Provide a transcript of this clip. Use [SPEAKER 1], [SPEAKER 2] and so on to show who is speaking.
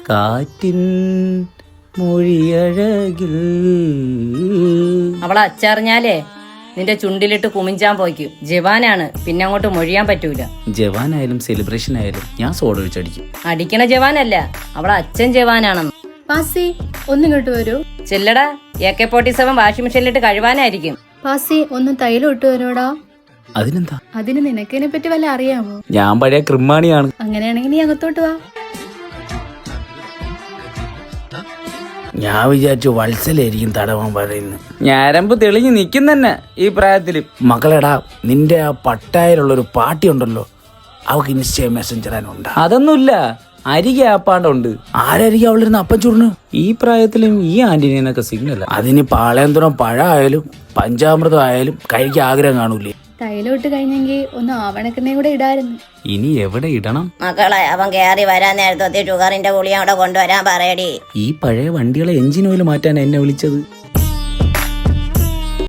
[SPEAKER 1] കാറ്റിൻ മൊഴിയഴകിൽ.
[SPEAKER 2] അവളെ അച്ചറിഞ്ഞാലേ നിന്റെ ചുണ്ടിലിട്ട് കുമിഞ്ചാൻ പോയിക്കും. ജവാനാണ്, പിന്നെ അങ്ങോട്ട് മൊഴിയാൻ പറ്റൂല.
[SPEAKER 1] ജവാനായാലും സെലിബ്രേഷൻ ആയാലും ഞാൻ സോഡ ഒഴിച്ചടിക്കും.
[SPEAKER 2] അടിക്കണ ജവാനല്ല, അവളെ അച്ഛൻ ജവാനാണെന്ന്.
[SPEAKER 3] പാസി ഒന്നിങ്ങോട്ട് വരൂ.
[SPEAKER 2] ചെല്ലടാ, AK-47 വാഷിംഗ് മെഷീനിലിട്ട് കഴുവാനായിരിക്കും.
[SPEAKER 3] പാസി ഒന്ന് തൈലം ഇട്ട് വരോടാ.
[SPEAKER 1] അതിനെന്താ?
[SPEAKER 3] അതിന് നിനക്കിനെ പറ്റി വല്ല അറിയാമോ?
[SPEAKER 1] ഞാൻ പഴയ ക്രിമാണിയാണ്.
[SPEAKER 3] അങ്ങനെയാണെങ്കിൽ നീ അകത്തോട്ട് വാ.
[SPEAKER 1] ഞാൻ വിചാരിച്ചു വത്സലായിരിക്കും തടവാൻ പറയുന്നത്. ഞരമ്പ് തെളിഞ്ഞു നിൽക്കും തന്നെ ഈ പ്രായത്തില്. മകളെടാ, നിന്റെ ആ പട്ടായിലുള്ളൊരു പാട്ടി ഉണ്ടല്ലോ, അവക്ക് ഇൻസ്റ്റ മെസ്സഞ്ചറാനുണ്ട്. അതൊന്നുമില്ല, അരികെ ആപ്പാണ്ടുണ്ട്. ആരരികെ അവളിരുന്ന് അപ്പം ചുരുണ്. ഈ പ്രായത്തിലും ഈ ആന്റിനൊക്കെ സിഗ്നൽ. അതിന് പാളയന്തുറം പഴമായാലും പഞ്ചാമൃതം ആയാലും കഴിക്കാൻ ആഗ്രഹം കാണൂലേ.
[SPEAKER 3] തൈലം ഇട്ട് കഴിഞ്ഞെങ്കിൽ ഒന്ന് ആവണക്കെണ്ണയും കൂടെ ഇടായിരുന്നു.
[SPEAKER 1] ഇനി എവിടെ ഇടണം?
[SPEAKER 4] മക്കളെ, അവൻ കയറി വരാൻ നേരത്തെ ഷുഗറിന്റെ ഗുളിക അവിടെ കൊണ്ടുവരാൻ പറയടി.
[SPEAKER 1] ഈ പഴയ വണ്ടികളെ എഞ്ചിൻ ഓയിൽ മാറ്റാൻ എന്നെ വിളിച്ചത്.